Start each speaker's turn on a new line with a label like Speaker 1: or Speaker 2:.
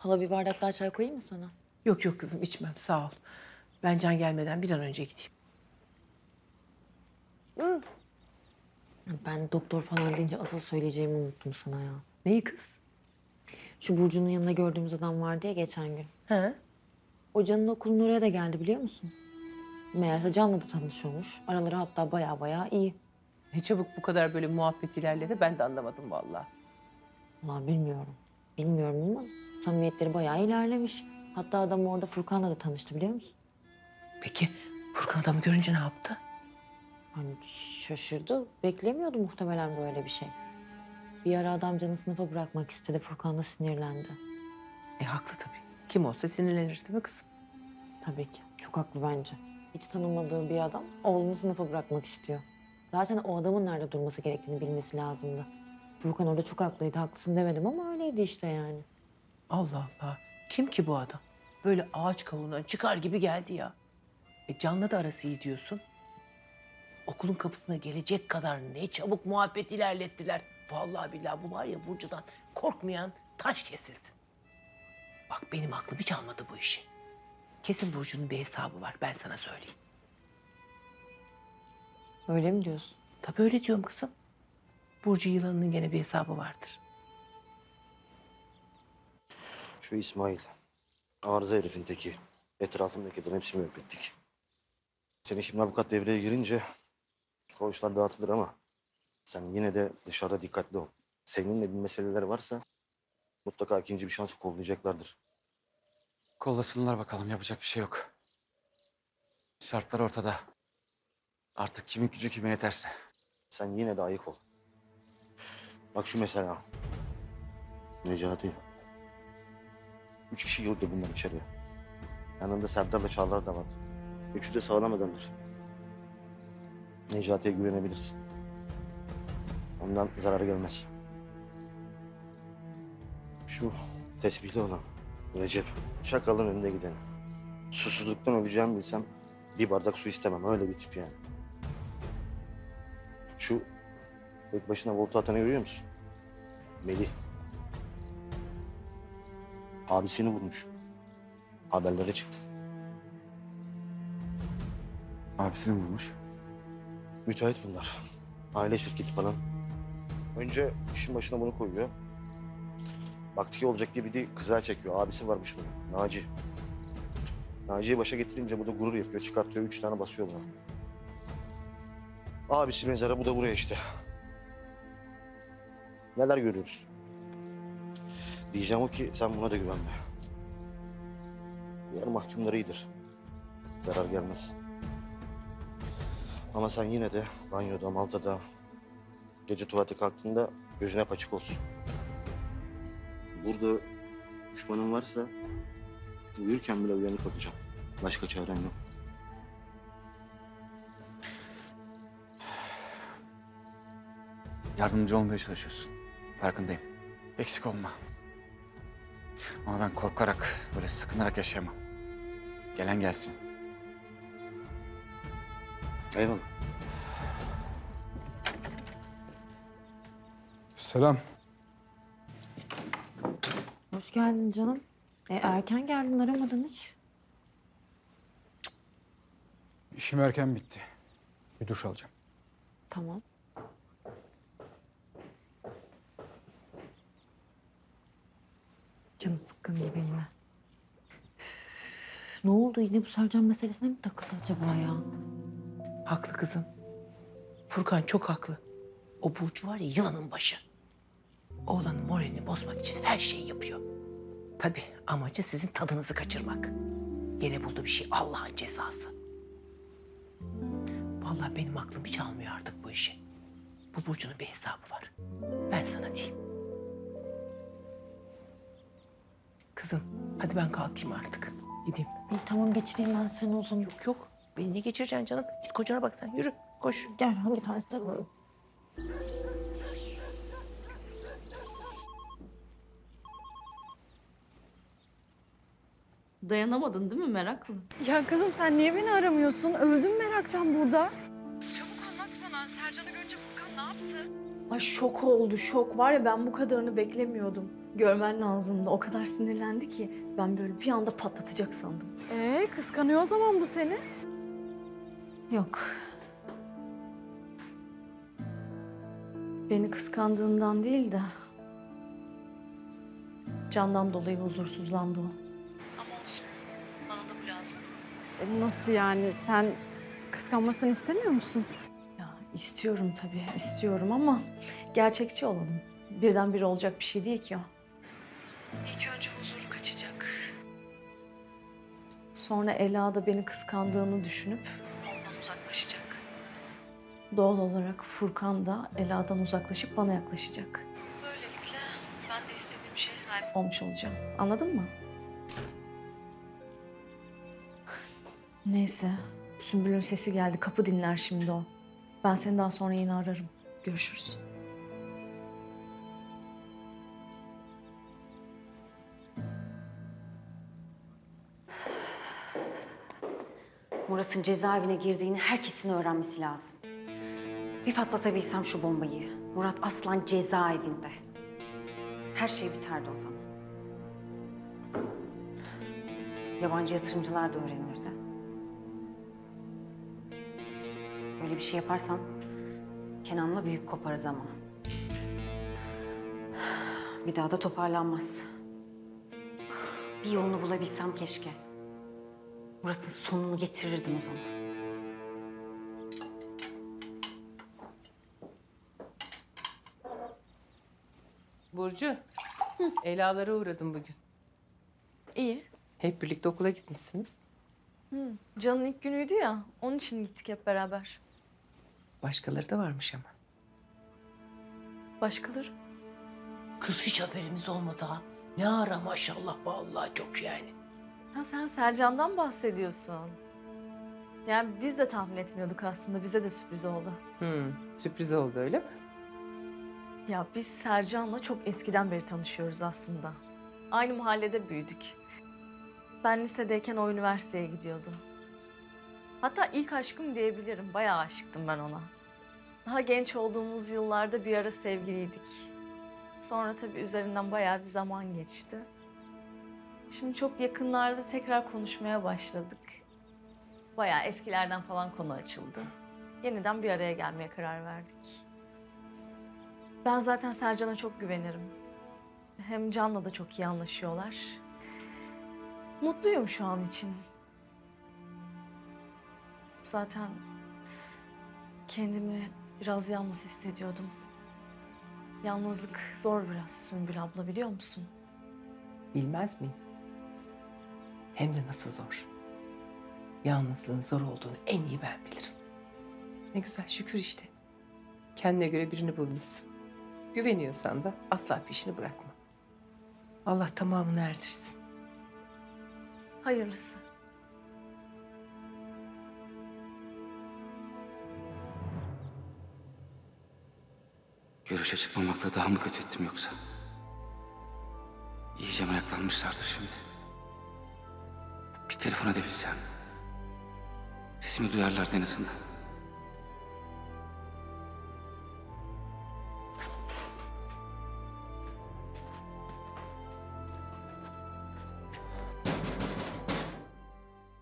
Speaker 1: Hala bir bardak daha çay koyayım mı sana?
Speaker 2: Yok yok kızım içmem sağ ol. Ben Can gelmeden bir an önce gideyim.
Speaker 1: Ben doktor falan deyince asıl söyleyeceğimi unuttum sana ya.
Speaker 2: Neyi kız?
Speaker 1: Şu Burcu'nun yanında gördüğümüz adam vardı ya geçen gün.
Speaker 2: He?
Speaker 1: O Can'ın okulun oraya da geldi biliyor musun? Meğerse Can'la da tanışıyormuş. Araları hatta baya iyi.
Speaker 2: Ne çabuk bu kadar böyle muhabbet ilerledi ben de anlamadım vallahi.
Speaker 1: Ulan bilmiyorum. Bilmiyorum ama samimiyetleri bayağı ilerlemiş. Hatta adam orada Furkan'la da tanıştı biliyor musun?
Speaker 2: Peki Furkan adamı görünce ne yaptı?
Speaker 1: Hani şaşırdı. Beklemiyordu muhtemelen böyle bir şey. Bir ara adam Can'ı sınıfa bırakmak istedi. Furkan da sinirlendi.
Speaker 2: Haklı tabii. Kim olsa sinirlenir değil mi kızım?
Speaker 1: Tabii ki. Çok haklı bence. Hiç tanımadığı bir adam oğlunu sınıfa bırakmak istiyor. Zaten o adamın nerede durması gerektiğini bilmesi lazımdı. Furkan orada çok haklıydı. Haklısın demedim ama öyleydi işte yani.
Speaker 2: Allah Allah. Kim ki bu adam? Böyle ağaç kavuğundan çıkar gibi geldi ya. Can'la da arası iyi diyorsun. Okulun kapısına gelecek kadar ne çabuk muhabbet ilerlettiler. Vallahi billahi bu var ya Burcu'dan korkmayan taş kesilsin. Bak benim aklım hiç almadı bu işi. Kesin Burcu'nun bir hesabı var ben sana söyleyeyim.
Speaker 1: Öyle mi diyorsun?
Speaker 2: Tabii öyle diyorum kızım. Burcu yılanının gene bir hesabı vardır.
Speaker 3: Şu İsmail, arıza herifin teki. Etrafındakilerin hepsini müebbetlik. Senin şimdi avukat devreye girince o işler dağıtılır ama sen yine de dışarıda dikkatli ol. Seninle bir meseleler varsa mutlaka ikinci bir şans kollayacaklardır.
Speaker 4: Kollasınlar bakalım yapacak bir şey yok. Şartlar ortada. Artık kimin gücü kime yeterse.
Speaker 3: Sen yine de ayık ol. Bak şu mesela. Necati. 3 kişi girdi bunlar içeriye. Yanında Serdar'la Çağlar da vardı. Üçü de sağlam adamlar. Necati'ye güvenebilirsin. Ondan zararı gelmez. Şu tesbihli olan Recep, Çakal'ın önünde gideni. Susuzluktan öleceğimi bilsem bir bardak su istemem. Öyle bir tip yani. Şu tek başına volta atanı görüyor musun? Melih. Abisini vurmuş. Haberlere çıktı.
Speaker 4: Abisini vurmuş.
Speaker 3: Müteahhit bunlar. Aile şirketi falan. Önce işin başına bunu koyuyor. Baktı ki olacak gibi değil, kıza çekiyor. Abisi varmış bunun, Naci. Naci'yi başa getirince bu da gurur yapıyor. Çıkartıyor, 3 tane basıyor buna. Abisi mezara, bu da buraya işte. Neler görüyoruz? Diyeceğim o ki sen buna da güvenme. Diğer mahkumlar iyidir. Zarar gelmez. Ama sen yine de banyoda, maltada, gece tuvalete kalktığında gözüne hep açık olsun. Burada düşmanın varsa uyurken bile uyanık olacağım. Başka çaren yok.
Speaker 4: Yardımcı olmaya çalışıyorsun. Farkındayım. Eksik olma. Ama ben korkarak, böyle sakınarak yaşayamam. Gelen gelsin.
Speaker 3: Eyvallah.
Speaker 5: Selam.
Speaker 1: Hoş geldin canım. Erken geldin aramadın hiç.
Speaker 5: İşim erken bitti. Bir duş alacağım.
Speaker 1: Tamam. Canı sıkkın gibi yine. Üf, ne oldu yine bu Sercan meselesine mi takıldı acaba ya?
Speaker 2: Haklı kızım. Furkan çok haklı. O Burcu var ya yılanın başı. Oğlanın moralini bozmak için her şeyi yapıyor. Tabii amacı sizin tadınızı kaçırmak. Gene buldu bir şey Allah'ın cezası. Vallahi benim aklım hiç almıyor artık bu işi. Bu Burcu'nun bir hesabı var. Ben sana diyeyim. Kızım hadi ben kalkayım artık. Gideyim.
Speaker 1: İyi tamam geçireyim ben seni o zaman.
Speaker 2: Yok yok. Beni ne geçireceksin canım? Git kocana bak sen. Yürü koş.
Speaker 1: Gel hangi tanesi alalım?
Speaker 6: Dayanamadın değil mi meraklı?
Speaker 7: Ya kızım sen niye beni aramıyorsun? Öldüm meraktan burada. Çabuk anlat bana. Sercan'ı görünce Furkan ne yaptı?
Speaker 6: Ay şok oldu, şok. Var ya ben bu kadarını beklemiyordum. Görmen lazımdı. O kadar sinirlendi ki ben böyle bir anda patlatacak sandım.
Speaker 7: Kıskanıyor o zaman bu seni.
Speaker 6: Yok. Beni kıskandığından değil de Can'dan dolayı huzursuzlandı o. Ama olsun. Bana da bu lazım.
Speaker 7: Nasıl yani? Sen kıskanmasını istemiyor musun?
Speaker 6: Ya istiyorum tabii, istiyorum ama gerçekçi olalım. Birdenbire olacak bir şey değil ki o. İlk önce huzuru kaçacak. Sonra Ela da beni kıskandığını düşünüp ondan uzaklaşacak. Doğal olarak Furkan da Ela'dan uzaklaşıp bana yaklaşacak. Böylelikle ben de istediğim şeye sahip olmuş olacağım. Anladın mı? Neyse. Sümbül'ün sesi geldi. Kapı dinler şimdi o. Ben seni daha sonra yine ararım. Görüşürüz.
Speaker 8: Murat'ın cezaevine girdiğini herkesin öğrenmesi lazım. Bir patlatabilsem şu bombayı. Murat Aslan cezaevinde. Her şey biterdi o zaman. Yabancı yatırımcılar da öğrenirdi. Böyle bir şey yaparsam Kenan'la büyük koparız ama. Bir daha da toparlanmaz. Bir yolunu bulabilsem keşke. Murat'ın sonunu getirirdim o zaman.
Speaker 2: Burcu, Ela'lara uğradım bugün.
Speaker 7: İyi.
Speaker 2: Hep birlikte okula gitmişsiniz.
Speaker 7: Can'ın ilk günüydü ya. Onun için gittik hep beraber.
Speaker 2: Başkaları da varmış ama.
Speaker 7: Başkaları?
Speaker 2: Kız hiç haberimiz olmadı ha. Ne ara maşallah vallahi çok yani.
Speaker 7: Ha sen Sercan'dan bahsediyorsun. Yani biz de tahmin etmiyorduk aslında. Bize de sürpriz oldu.
Speaker 2: Sürpriz oldu öyle mi?
Speaker 7: Ya biz Sercan'la çok eskiden beri tanışıyoruz aslında. Aynı mahallede büyüdük. Ben lisedeyken o üniversiteye gidiyordu. Hatta ilk aşkım diyebilirim. Bayağı aşıktım ben ona. Daha genç olduğumuz yıllarda bir ara sevgiliydik. Sonra tabii üzerinden bayağı bir zaman geçti. Şimdi çok yakınlarda tekrar konuşmaya başladık. Bayağı eskilerden falan konu açıldı. Yeniden bir araya gelmeye karar verdik. Ben zaten Sercan'a çok güvenirim. Hem Can'la da çok iyi anlaşıyorlar. Mutluyum şu an için. Zaten kendimi biraz yalnız hissediyordum. Yalnızlık zor biraz Sümbül abla, biliyor musun?
Speaker 2: Bilmez miyim? Hem de nasıl zor. Yalnızlığın zor olduğunu en iyi ben bilirim. Ne güzel şükür işte. Kendine göre birini bulmuşsun. Güveniyorsan da asla peşini bırakma. Allah tamamını erdirsin.
Speaker 7: Hayırlısı.
Speaker 4: Görüşe çıkmamakla daha mı kötü ettim yoksa? İyice meraklanmışlardır şimdi. Bir telefon edebilsem. Sesimi duyarlardı en azından.